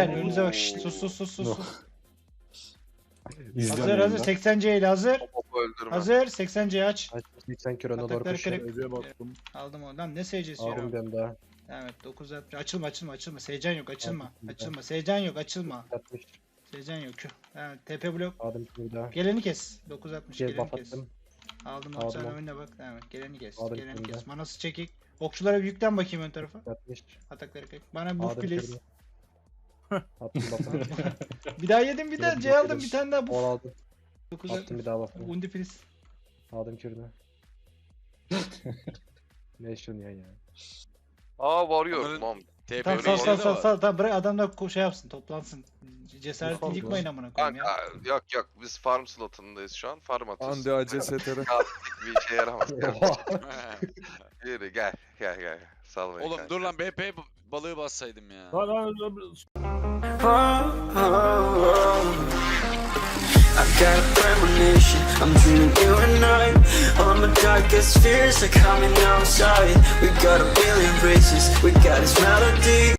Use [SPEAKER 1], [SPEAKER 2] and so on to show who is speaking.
[SPEAKER 1] beyler önünüze bak. Şşt, sus sus sus sus.
[SPEAKER 2] No.
[SPEAKER 1] sus.
[SPEAKER 2] İzliyorum
[SPEAKER 1] Hazır hazır
[SPEAKER 2] yayında.
[SPEAKER 1] 80C ile hazır.
[SPEAKER 3] Topu öldürme.
[SPEAKER 1] Hazır 80C aç.
[SPEAKER 2] Aç, 80 kilo ona doğru
[SPEAKER 1] Atakları
[SPEAKER 2] koşuyor.
[SPEAKER 1] kırık.
[SPEAKER 4] Ece bastım.
[SPEAKER 1] Aldım oradan. Ne SC'si
[SPEAKER 2] Aldım
[SPEAKER 1] yürü.
[SPEAKER 2] ben daha.
[SPEAKER 1] Evet 960. Açılma açılma açılma. Seycan yok açılma.
[SPEAKER 2] Aldım bir
[SPEAKER 1] Açılma. Seycan yok açılma.
[SPEAKER 2] 60.
[SPEAKER 1] Seycan yok. Evet TP blok.
[SPEAKER 2] Aldım bir daha.
[SPEAKER 1] Geleni kes. 960
[SPEAKER 2] Gel
[SPEAKER 1] geleni
[SPEAKER 2] buff
[SPEAKER 1] kes.
[SPEAKER 2] attım.
[SPEAKER 1] Aldım
[SPEAKER 2] Aldım
[SPEAKER 1] onu sen
[SPEAKER 2] onu.
[SPEAKER 1] önüne bak. Evet geleni kes.
[SPEAKER 2] Aldım
[SPEAKER 1] Geleni
[SPEAKER 2] şimdi.
[SPEAKER 1] kes. Manası çekik. Okçulara bir yüklen bakayım ön tarafa.
[SPEAKER 2] 60.
[SPEAKER 1] Atakları kırık. Bana buff
[SPEAKER 2] Aldım
[SPEAKER 1] please.
[SPEAKER 2] kırmızı. Attım buff'ını.
[SPEAKER 1] Bir daha yedim bir daha.
[SPEAKER 2] Kırmızı
[SPEAKER 1] C aldım
[SPEAKER 2] kırmızı.
[SPEAKER 1] bir tane daha
[SPEAKER 2] Ol
[SPEAKER 1] buff.
[SPEAKER 2] aldım.
[SPEAKER 1] 960.
[SPEAKER 2] Attım bir daha buff'ını.
[SPEAKER 1] Undi please.
[SPEAKER 2] Aldım kürünü. Ne şunu ya.
[SPEAKER 3] Aa varıyor
[SPEAKER 5] Onların-
[SPEAKER 3] lan.
[SPEAKER 5] TP
[SPEAKER 1] Tamam
[SPEAKER 5] öyle
[SPEAKER 1] sal
[SPEAKER 5] şey de
[SPEAKER 1] sal
[SPEAKER 5] var.
[SPEAKER 1] sal tamam bırak adamlar şey yapsın toplansın. Cesaretini
[SPEAKER 2] Yok,
[SPEAKER 1] yıkmayın amına koyayım ya.
[SPEAKER 3] Kanka yok biz farm slotundayız şu an. Farm atıyoruz.
[SPEAKER 4] Andi ACSTR.
[SPEAKER 3] Bir işe yaramaz.
[SPEAKER 2] Oha.
[SPEAKER 3] Yürü gel gel. Sal beni
[SPEAKER 5] Oğlum
[SPEAKER 3] kanka.
[SPEAKER 5] dur lan BP balığı bassaydım ya.
[SPEAKER 4] Lan lan
[SPEAKER 6] I've got a premonition, I'm dreaming you and I. All my darkest fears are coming outside. We got a billion races, we got this melody.